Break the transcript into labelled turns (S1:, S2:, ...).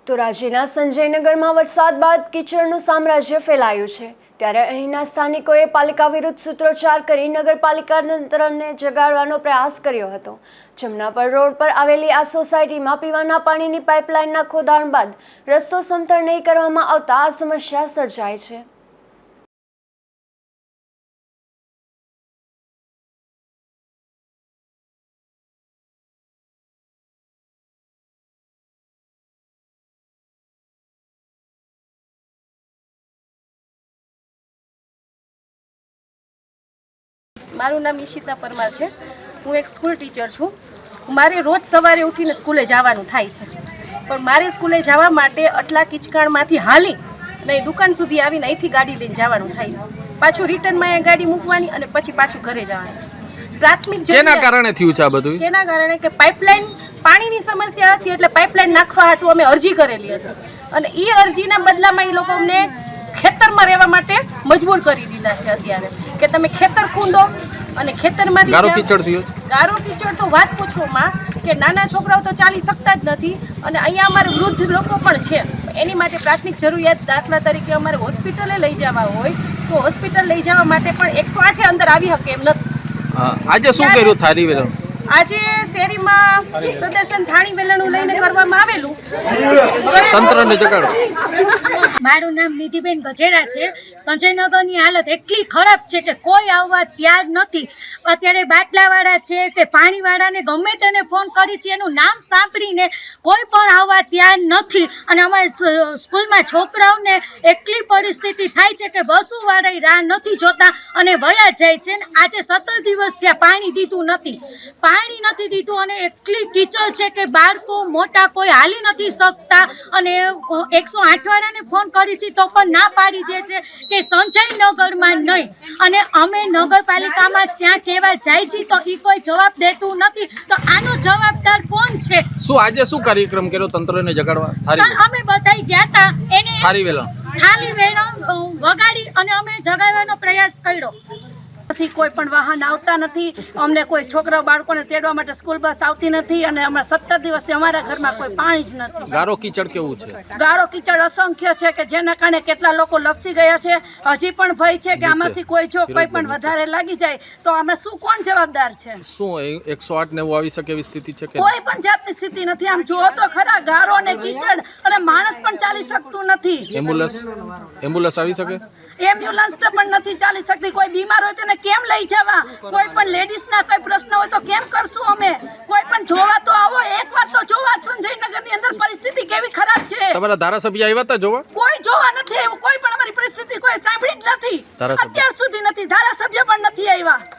S1: તો રાજ્યના સંજયનગરમાં વરસાદ બાદ કીચડનું સામ્રાજ્ય ફેલાયું છે। ત્યારે અહીંના સ્થાનિકોએ પાલિકા વિરુદ્ધ સૂત્રોચ્ચાર કરી નગરપાલિકા તંત્રને જગાડવાનો પ્રયાસ કર્યો હતો। જમનાપર રોડ પર આવેલી આ સોસાયટીમાં પીવાના પાણીની પાઇપલાઇનના ખોદાણ બાદ રસ્તો સમતળ નહીં કરવામાં આવતા આ સમસ્યા સર્જાય છે।
S2: મારું નામ ઈશિતા પરમાર છે। હું એક સ્કૂલ ટીચર છું। મારે રોજ સવારે ઉઠીને સ્કૂલે જવાનું થાય છે, પણ મારે સ્કૂલે જવા માટે આટલા કિચકાણમાંથી હાલી અને દુકાન સુધી આવીને અહીંથી ગાડી લઈને જવાનું થાય છે। પાછું રિટર્નમાં એ ગાડી મૂકવાની અને પછી પાછું ઘરે જવાનું છે। પ્રાથમિક
S3: કેના કારણે થયું છે આ બધું?
S2: કેના કારણે કે પાઇપલાઇન પાણીની સમસ્યા હતી, એટલે પાઇપલાઇન નાખવા હાટુ અમે અરજી કરેલી હતી અને એ અરજીના બદલામાં એ લોકો અમને ખેતરમાં રહેવા માટે મજબૂર કરી દીધા છે અત્યારે કે તમે ખેતર ખૂંદો અને ખેતરમાંથી
S3: ગારો કીચડ થયો।
S2: ગારો કીચડ તો વાત પૂછોમાં કે નાના છોકરાઓ તો ચાલી શકતા જ નથી અને અહીંયા અમારે વૃદ્ધ લોકો પણ છે। એની માટે પ્રાથમિક જરૂરિયાત દાખલા તરીકે અમારે હોસ્પિટલે લઈ જવા હોય તો હોસ્પિટલ લઈ જવા માટે પણ 108 અંદર આવી શકે એમ નથી।
S3: આજે શું કર્યું થારી વેલણ?
S2: આજે શેરીમાં પ્રદર્શન થાળી વેલણું લઈને કરવામાં આવેલું।
S3: તંત્રને જગાડો।
S4: મારું નામ નિધિબેન ગજેરા છે। સંજયનગરની હાલત એટલી ખરાબ છે કે કોઈ આવવા તૈયાર નથી। અત્યારે બાટલાવાળા છે કે પાણીવાળાને ગમે તેને ફોન કરી છે, એનું નામ સાંભળીને કોઈ પણ આવવા તૈયાર નથી અને અમારા સ્કૂલમાં છોકરાઓને એટલી પરિસ્થિતિ થાય છે કે બસોવાળા રાહ નથી જોતા અને વયા જાય છે। આજે 17 દિવસ ત્યાં પાણી દીધું નથી અને એટલી કીચડ છે કે બાળકો મોટા કોઈ હાલી નથી શકતા અને 108 વાળાને ફોન કરી છે તો પણ ના પાડી દે છે કે સંજયનગરમાં નહીં, અને અમે નગરપાલિકામાં ત્યાં કહેવા જાય છે તો એ કોઈ જવાબ દેતું નથી। તો આનો જવાબદાર કોણ છે?
S3: શું આજે શું કાર્યક્રમ કર્યો તંત્રને જગાડવા?
S4: અમે બધા ગયા હતા, એને
S3: થારી વેલણ
S4: વગાડી અને અમે જગાડવાનો પ્રયાસ કર્યો।
S5: કોઈ પણ વાહન આવતા નથી, અમને કોઈ છોકરા બાળકોને તેડવા માટે સ્કૂલ બસ આવતી નથી અને હમણાં 17 દિવસથી અમારા ઘરમાં કોઈ પાણી જ નથી।
S3: ગારો કીચડ કેવું છે?
S5: ગારો કીચડ અસંખ્ય છે કે જેના કારણે કેટલા લોકો લપસી ગયા છે। હજી પણ ભય છે કે આમાંથી કોઈ જો કોઈ પણ વધારે લાગી જાય તો અમે શું કોણ જવાબદાર છે?
S3: શું 108 ને આવી શકે એવી સ્થિતિ છે કે
S5: કોઈ પણ જાતની સ્થિતિ નથી। આમ જુઓ તો ખરા, ગારો અને કીચડ અને માણસ પણ ચાલી શકતું નથી।
S3: એમ્બ્યુલન્સ આવી શકે?
S5: એમ્બ્યુલન્સ તો પણ નથી ચાલી શકતી। કોઈ બીમાર હોય તેને કેમ લઈ જવા? કોઈ પણ લેડીઝના કોઈ પ્રશ્ન હોય તો કેમ કરશું અમે? કોઈ પણ જોવા તો આવો, એકવાર તો જોવા। સંજયનગરની અંદર પરિસ્થિતિ કેવી ખરાબ છે।
S3: તમારા ધારાસભ્ય આવ્યા હતા જોવા?
S5: કોઈ જોવા નથી આવ્યું, કોઈ પણ અમારી પરિસ્થિતિ કોઈ સાંભળી જ નથી, અત્યાર સુધી નથી। ધારાસભ્ય પણ નથી આવ્યા।